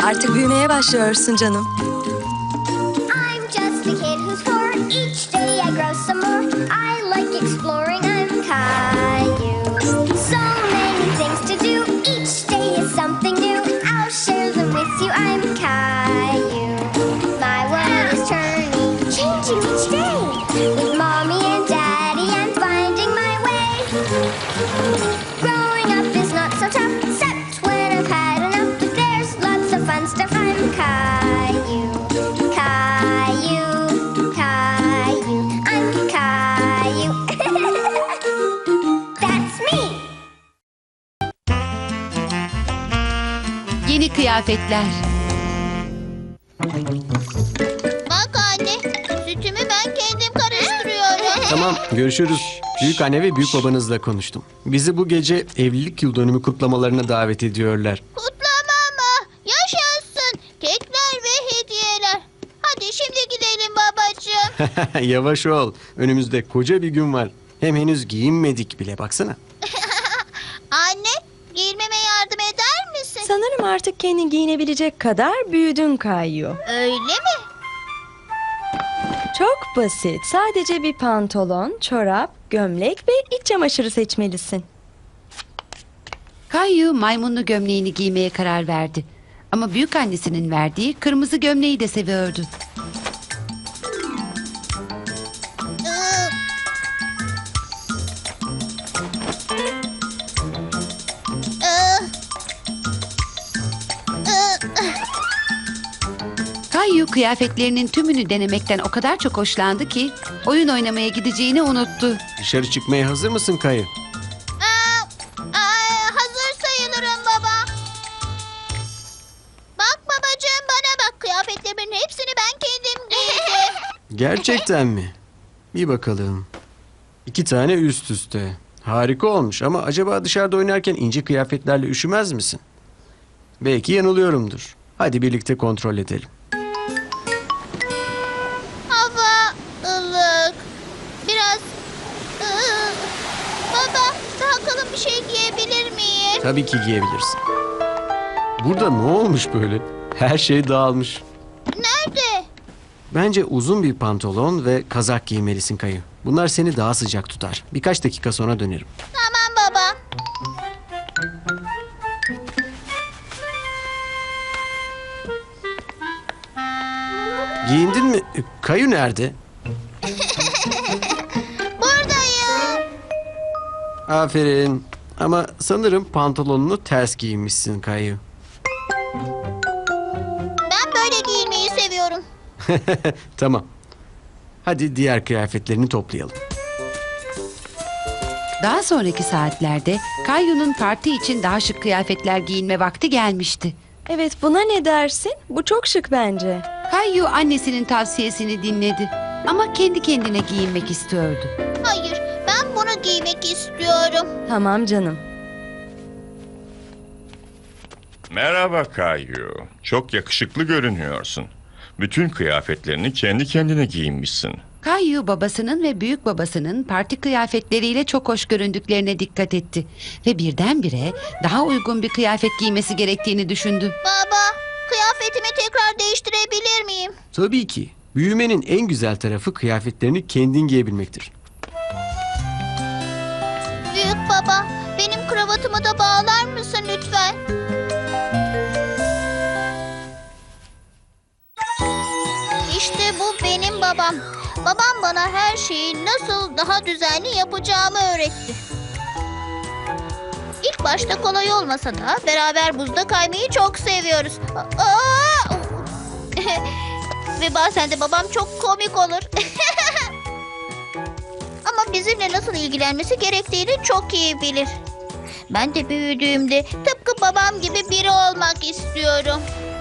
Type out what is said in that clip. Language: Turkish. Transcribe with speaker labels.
Speaker 1: Artık büyümeye başlıyorsun canım.
Speaker 2: I'm just a kid who's four. Each day I grow some more. I like exploring. I'm Caillou. So many things to do. Each day is something new. I'll share them with you. I'm Caillou. My world is turning, changing each day. With mommy and daddy, I'm finding my way. Growing up is not so tough, except when I've had enough. But there's lots of fun stuff. I'm Caillou. Caillou, Caillou, I'm Caillou. That's me.
Speaker 3: Yeni kıyafetler.
Speaker 4: Bak anne, sütümü ben kendim karıştırıyorum.
Speaker 5: Tamam, görüşürüz. Büyük anne ve büyük babanızla konuştum. Bizi bu gece evlilik yıl dönümü kutlamalarına davet ediyorlar.
Speaker 4: Kutlama mı? Yaşasın. Kekler ve hediyeler. Hadi şimdi gidelim babacığım.
Speaker 5: Yavaş ol. Önümüzde koca bir gün var. Hem henüz giyinmedik bile, baksana.
Speaker 4: Anne, giyinmeme yardım eder misin?
Speaker 1: Sanırım artık kendin giyinebilecek kadar büyüdün Caillou.
Speaker 4: Öyle mi?
Speaker 1: Çok basit. Sadece bir pantolon, çorap, gömlek ve iç çamaşırı seçmelisin.
Speaker 3: Caillou maymunlu gömleğini giymeye karar verdi. Ama büyük annesinin verdiği kırmızı gömleği de seviyordu.
Speaker 4: Iı, ıı, ıı.
Speaker 3: Caillou kıyafetlerinin tümünü denemekten o kadar çok hoşlandı ki oyun oynamaya gideceğini unuttu.
Speaker 5: Dışarı çıkmaya hazır mısın Kayı?
Speaker 4: Hazır sayılırım baba. Bak babacığım, bana bak. Kıyafetlerimin hepsini ben kendim giydim.
Speaker 5: Gerçekten mi? Bir bakalım. 2 tane üst üste. Harika olmuş ama acaba dışarıda oynarken ince kıyafetlerle üşümez misin? Belki yanılıyorumdur. Hadi birlikte kontrol edelim.
Speaker 4: Hava ılık. Biraz... Baba, daha kalın bir şey giyebilir miyim?
Speaker 5: Tabii ki giyebilirsin. Burada ne olmuş böyle? Her şey dağılmış.
Speaker 4: Nerede?
Speaker 5: Bence uzun bir pantolon ve kazak giymelisin Kayı. Bunlar seni daha sıcak tutar. Birkaç dakika sonra dönerim.
Speaker 4: Tamam baba.
Speaker 5: Giyindin mi? Kayı nerede?
Speaker 4: Buradayım.
Speaker 5: Aferin. Ama sanırım pantolonunu ters giymişsin Kayı.
Speaker 4: Ben böyle giyinmeyi seviyorum.
Speaker 5: Tamam. Hadi diğer kıyafetlerini toplayalım.
Speaker 3: Daha sonraki saatlerde Caillou'nun parti için daha şık kıyafetler giyinme vakti gelmişti.
Speaker 1: Evet, buna ne dersin? Bu çok şık bence.
Speaker 3: Caillou annesinin tavsiyesini dinledi ama kendi kendine giyinmek istiyordu.
Speaker 4: Hayır, ben bunu giymek istiyorum.
Speaker 1: Tamam canım.
Speaker 6: Merhaba Caillou. Çok yakışıklı görünüyorsun. Bütün kıyafetlerini kendi kendine giyinmişsin.
Speaker 3: Caillou babasının ve büyük babasının parti kıyafetleriyle çok hoş göründüklerine dikkat etti. Ve birdenbire daha uygun bir kıyafet giymesi gerektiğini düşündü.
Speaker 4: Baba, kıyafetimi tekrar değiştirebilir miyim?
Speaker 5: Tabii ki. Büyümenin en güzel tarafı kıyafetlerini kendin giyebilmektir.
Speaker 4: Büyük baba, benim kravatımı da bağlar mısın lütfen? İşte bu benim babam. Babam bana her şeyi nasıl daha düzenli yapacağımı öğretti. İlk başta kolay olmasa da beraber buzda kaymayı çok seviyoruz. Aa! Ve bazen de babam çok komik olur. Ama bizimle nasıl ilgilenmesi gerektiğini çok iyi bilir. Ben de büyüdüğümde tıpkı babam gibi biri olmak istiyorum.